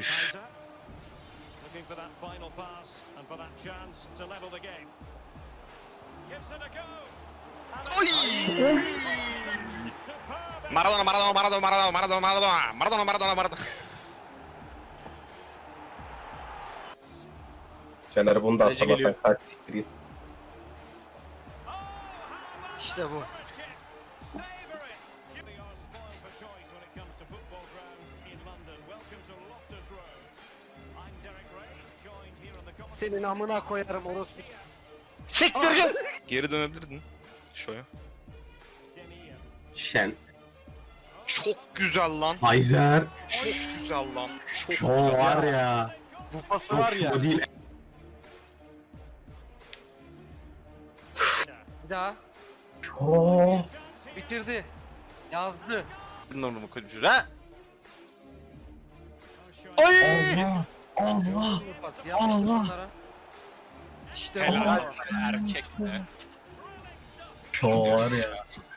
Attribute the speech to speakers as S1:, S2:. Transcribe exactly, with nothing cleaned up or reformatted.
S1: Üf.
S2: Looking for that final pass and for that chance to level the game. Gives it a go.
S1: Oy!
S2: Superb.
S1: Maradona, Maradona, Maradona, Maradona, Maradona, Maradona, Maradona, Maradona, Maradona.
S3: Caner bunu da
S1: Kaleci
S3: atlamasan
S1: geliyor.
S3: kaç siktir git.
S4: İşte bu.
S2: Savor it. They are spoiled for choice when it comes to football grounds in London. Welcome to Loftus Road. I'm Derek Ray, joined here on the commentary.
S4: Senin amına koyarım orospu.
S1: Siktir git. Geri dönebilirdin. Şöyle.
S2: Denier.
S3: Şen.
S1: Çok güzel lan.
S3: Hayzer.
S1: Çok güzel lan. Çok
S3: Şu
S1: güzel.
S3: var ya.
S1: Bu pası
S3: Çok
S1: var ya.
S3: şu değil.
S4: Bir daha.
S3: Oo.
S4: Bitirdi. Yazdı.
S1: Numaramı koyayım şuraya. Ha? Ay!
S3: Allah. Allah.
S4: Pas yapmıştır
S3: Allah.
S4: şunlara. İşte
S1: Helal
S4: bu.
S1: sana erkek be.
S3: Şu var ya.